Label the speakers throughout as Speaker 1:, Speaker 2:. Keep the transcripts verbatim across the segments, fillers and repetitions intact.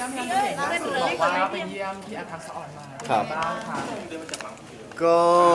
Speaker 1: ยี่ยมพี่แอฟล่าสุดบอกว่าไปเยี่ยมพี่แอฟทักษะอ่อนมา
Speaker 2: ครับ
Speaker 1: บ้างค่ะ
Speaker 2: ก็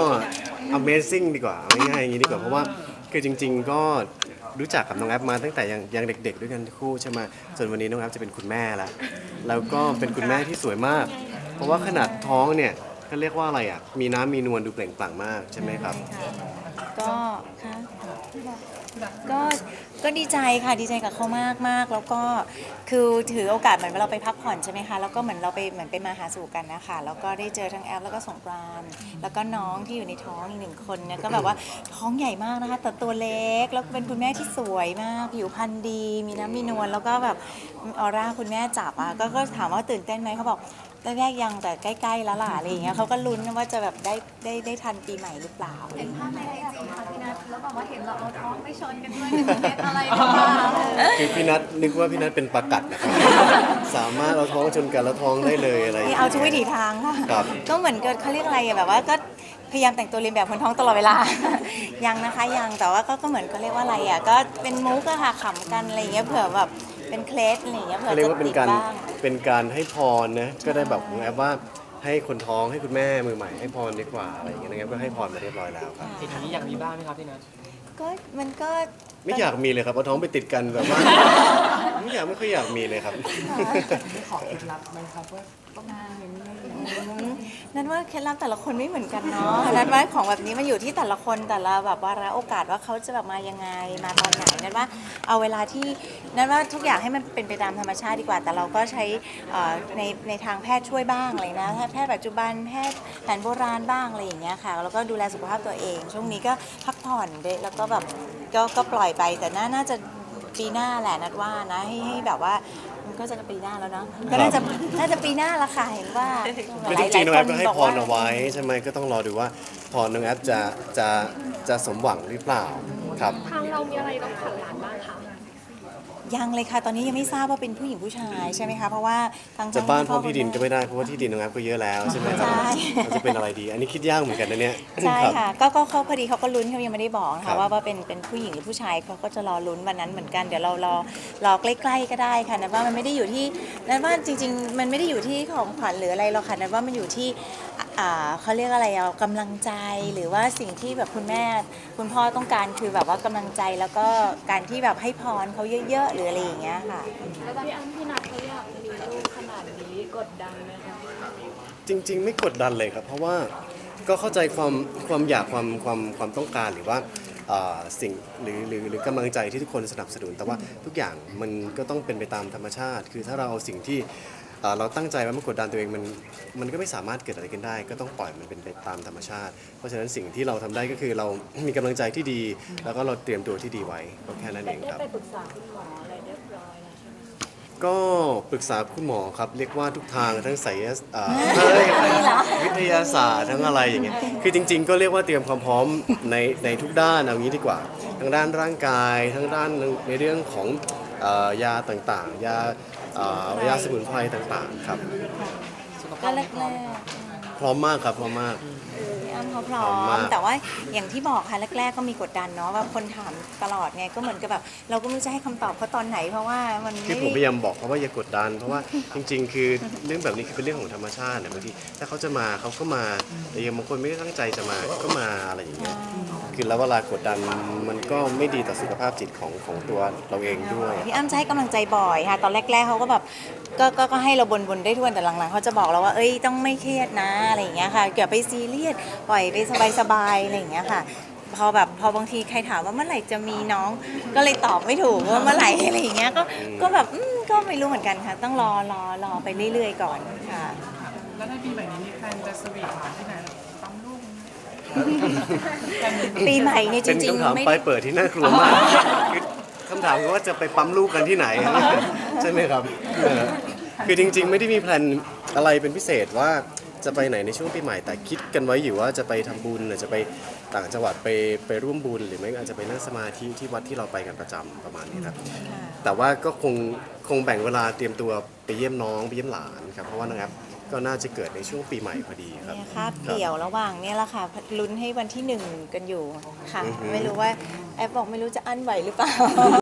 Speaker 2: Amazing ดีกว่าเอาง่ายๆอย่างนี้ดีกว่าเพราะว่าคือจริง ๆ ก็รู้จักกับน้องแอฟมาตั้งแต่ยังยังเด็ก ๆ ด้วยกันทั้งคู่ใช่ไหมจนวันนี้น้องแอฟจะเป็นคุณแม่แล้วแล้วก็เป็นคุณแม่ที่สวยมาก เพราะว่าขนาดท้องเนี่ยก็เรียกว่าอะไรอ่ะมีน้ำมีนวลดูเปล่งปลั่งมากใช่ไหมครับ
Speaker 3: ก็ค่ะก็ก็ดีใจค่ะดีใจกับเขามากมากแล้วก็คือถือโอกาสเหมือนเราไปพักผ่อนใช่ไหมคะแล้วก็เหมือนเราไปเหมือนไปมาหาสู่กันนะคะแล้วก็ได้เจอทั้งแอฟแล้วก็สงกรานต์แล้วก็น้องที่อยู่ในท้องอีกหนึ่งคนเนี่ยก็แบบว่าท้องใหญ่มากนะคะแต่ตัวเล็กแล้วเป็นคุณแม่ที่สวยมากผิวพรรณดี มีน้ำมีนวลแล้วก็แบบออร่าคุณแม่จับอ่ะก็ก็ถามว่าตื่นเต้นไหมเขาบอกแรกๆยังแต่ใกล้ๆแล้วล่ะอะไรอย่างเงี้ยเขาก็ลุ้นว่าจะแบบได้ได้ได้ทันปีใหม่หรือเปล่า
Speaker 4: เห็นภาพในไอจีค่ะพี่นัทแล้วแบบว่าเห็นเราเอาท้องไปชนกันด้วยหนึ่งเม็ดอะไรหรือเปล่า
Speaker 2: คือพี่นัทนึกว่าพี่นัทเป็นปลากัดนะครับ สามารถเอาท้องชนกันแล้วท้องได้เลยอะไรอย่าง
Speaker 3: นี่
Speaker 2: เงี้ย
Speaker 3: เอาทุกวิถีทางค่ะ
Speaker 2: ครับ
Speaker 3: ก็เหมือนกับเขาเรียกอะไรอะแบบว่าก็พยายามแต่งตัวเรียนแบบคนท้องตลอดเวลา ยังนะคะยังแต่ว่าก็ก็เหมือนเขาเรียกว่าอะไรอะก็เป็นมุกอะค่ะขำกันอะไรอย่างเงี้ยเผื่อแบบเป็นเคล็ดอะไรอย่างเงี้ยเผื่อ
Speaker 2: เขาเรียก
Speaker 3: จะ
Speaker 2: ว่าเป็
Speaker 3: ติ
Speaker 2: น
Speaker 3: ด
Speaker 2: การ
Speaker 3: บ้าง
Speaker 2: เป็นการให้พรนะก็ได้แบบของแอฟว่าให้คนท้องให้คุณแม่มือใหม่ให้พรดีกว่าอะไรอย่างเงี้ยนะครับก็ให้พรมาเรียบร้อยแล้วครับ
Speaker 1: ทีนี้อยากมีบ้างไหมครับพี่นัท
Speaker 3: ก็มันก็
Speaker 2: ไม่อยากมีเลยครับเอาท้องไปติดกันแบบว่า ไม่อยากไม่ค่อยอยากมีเลยครับ
Speaker 1: ไม่ขอเคล็ดลับไหมครับว่าต้องมีเงิน
Speaker 3: อืมนั่นว่าเคล็ดลับแต่ละคนไม่เหมือนกันเนาะนั่นว่าของแบบนี้มันอยู่ที่แต่ละคนแต่ละแบบวาระโอกาสว่าเขาจะแบบมายังไงมาตอนไหนนั่นว่าเอาเวลาที่นั่นว่าทุกอย่างให้มันเป็นไปตามธรรมชาติดีกว่า แต่เราก็ใช้เอ่อในในทางแพทย์ช่วยบ้างอะไรนะแพทย์ปัจจุบันแพทย์แผนโบราณบ้างอะไรอย่างเงี้ยค่ะแล้วก็ดูแลสุขภาพตัวเอง ช่วงนี้ก็พักผ่อนด้วยแล้วก็แบบก็ก็ปล่อยไปแต่น่าน่าจะปีหน้าแหละนัดว่านะให้ให้แบบว่ามันก็จะปีหน้าแล้วเนาะก็น่าจะน่าจะปีหน้าละค่ะเห็นว่า
Speaker 2: คือจริงๆน้องแอฟก็ให้พรเอาไว้ใช่ไหมก็ต้องรอดูว่าพรน้องแอฟจะจะจะสมหวังหรือเปล่าครับ
Speaker 4: ทางเรามีอะไรต้องขัดหลานบ้างคะ
Speaker 3: ยังเลยค่ะตอนนี้ยังไม่ทราบว่าเป็นผู้หญิงผู้ชายใช่ไหมคะเพราะว่าทาง
Speaker 2: จะบ้านพร้อม
Speaker 3: คุณ
Speaker 2: ที่ดินก็ไม่ได้เพราะว่าที่ดินน้องแอฟก็เยอะแล้วใช่ไหมครับ
Speaker 3: ใช่
Speaker 2: มันจะเป็นอะไรดี อันนี้คิดยากเหมือนกันนะเนี่ย
Speaker 3: ใช่
Speaker 2: ครับ
Speaker 3: ค่ะก็ก็เขาพอดีเขาก็ลุ้นเขายังไม่ได้บอกนะ
Speaker 2: ครั
Speaker 3: คะ
Speaker 2: บ
Speaker 3: ว่าว่าเป็นเป็นผู้หญิงหรือผู้ชายเขาก็จะรอลุ้นวันนั้นเหมือนกันเดี๋ยวเรารอรอใกล้ๆก็ได้ค่ะนะว่ามันไม่ได้อยู่ที่นั้นว่าจริง ๆ มันไม่ได้อยู่ที่ของขวัญหรืออะไรหรอกค่ะนั้นว่ามันอยู่ที่อ่าเขาเรียกอะไรอะกำลังใจหรือว่าสิ่งที่แบบคุณแม่คุณพ่อต้องการคือแบบว่ากำลังใจแล้วก็การที่แบบให้พรเขาเยอะๆหรืออะไรอย่างเงี้ยค่ะ
Speaker 4: แล้วพี่อ้ำพี่นัทเขาอยากมีลูกขนาดนี้กดดันไหมคะ
Speaker 2: จริง ๆ ไม่กดดันเลยครับ เพราะว่าก็เข้าใจความความอยากความความความต้องการหรือว่าอ่าสิ่งหรือหรือหรือกำลังใจที่ทุกคนสนับสนุนแต่ว่าทุกอย่างมันก็ต้องเป็นไปตามธรรมชาติ คือถ้าเราเอาสิ่งที่อ่าเราตั้งใจไว้มากดดันตัวเองมันมันก็ไม่สามารถเกิดอะไรขึ้นได้ ก็ต้องปล่อยมันเป็นไปตามธรรมชาติ เพราะฉะนั้นสิ่งที่เราทำได้ก็คือเรา มีกำลังใจที่ดี แล้วก็เราเตรียมตัวที่ดีไว้ก็แค่นั้นเองครับ
Speaker 4: ได้ไปปรึกษาคุณหมออะไรเรียบร้อยแล้วใช่ไหมคะ
Speaker 2: ก็ปรึกษาคุณหมอครับเรียกว่าทุกทางทั้งไสยศอ่าวิทยาศาสตร์ทั้งอะไรอย่างเงี้ยคือจริง ๆ ก็เรียกว่าเตรียมความพร้อมในในทุกด้านเอางี้ดีกว่าทั้งด้านร่างกายทั้งด้านในเรื่องของเอ่อยาต่างๆ ยาเอ่อยาสมุนไพรต่างๆครับ
Speaker 3: ก็แรก
Speaker 2: พร้อมมากครับพร้อมมาก
Speaker 3: ๆพี่อ้ำเขาพร้อ
Speaker 2: พร้อม
Speaker 3: ม
Speaker 2: มาก
Speaker 3: แต่ว่าอย่างที่บอกค่ะแรก ๆ ก็มีกดดันเนาะว่าคนถามตลอดไงก็เหมือนกับแบบเราก็ไม่รู้จะให้คำตอบเขาตอนไหนเพราะว่ามัน
Speaker 2: คือ
Speaker 3: ไม่
Speaker 2: ผมพ
Speaker 3: ได้
Speaker 2: ยายามบอกเขาว่าอย่ากดดัน เพราะว่าจริง ๆ คือเรื่องแบบนี้คือเป็นเรื่องของธรรมชาติเนี่ยบางทีถ้าเขาจะมาเขาก็มาแต่ยังบางคนไม่ได้ตั้งใจจะมาก็มาอะไรอย่างเงี้ยคือแล้วเวลากดดันมันก็ไม่ดีต่อสุขภาพจิตของของตัวเราเองด้วย
Speaker 3: พี่อ้ำจะให้กำลังใจบ่อยค่ะตอนแรก ๆเขาก็แบบก็ก็ก็ให้เราบนๆได้ทุกวันแต่หลังๆเขาจะบอกเราว่าเอ้ยต้องไม่เครียดนะอะไรอย่างเงี้ยค่ะเกี่ยวไปซีเรียสปล่อยไปสบายๆอะไรอย่างเงี้ยค่ะพอแบบพอบางทีใครถามว่าเมื่อไหร่จะมีน้อง ก็เลยตอบไม่ถูกว่าเมื่อไหร่อะไรอย่างเงี้ยก็ก็แบบอืมก็ไม่รู้เหมือนกันค่ะ ต้องรอรอรอไปเรื่อยๆก่อนค่ะ
Speaker 1: แล้วในปีใหม่นี้มีแพลนจะสวีทหวานที่ไหนปั๊มลูกไหม
Speaker 3: ปีใหม่เนี่ยจ
Speaker 2: เป็น
Speaker 3: ริง
Speaker 2: คำถาม
Speaker 3: ๆไม่
Speaker 2: ปลา
Speaker 3: ได้
Speaker 2: ยเปิดที่น่ากลัวมากคือคำถามคือว่าจะไปปั๊มลูกกันที่ไหน ใช่ไหมครับเออคือจริง ๆ ไม่ได้มีแพลนอะไรเป็นพิเศษว่าจะไปไหนในช่วงปีใหม่แต่คิดกันไว้อยู่ว่าจะไปทำบุญหรือจะไปต่างจังหวัดไปไปร่วมบุญหรือไม่ก็อาจจะไปนั่งสมาธิที่วัดที่เราไปกันประจำประมาณนี้ครับแต่ว่าก็คงคงแบ่งเวลาเตรียมตัวไปเยี่ยมน้องไปเยี่ยมหลานครับเพราะว่านะครับก็น่าจะเกิดในช่วงปีใหม่พอดีครับ
Speaker 3: เนี่ยคาบเกี่ยวระหว่างเนี่ยแหละค่ะลุ้นให้วันที่หนึ่งกันอยู่ค่ะ ไม่รู้ว่าแอปบอกไม่รู้จะอั้นไหวหรือเปล่า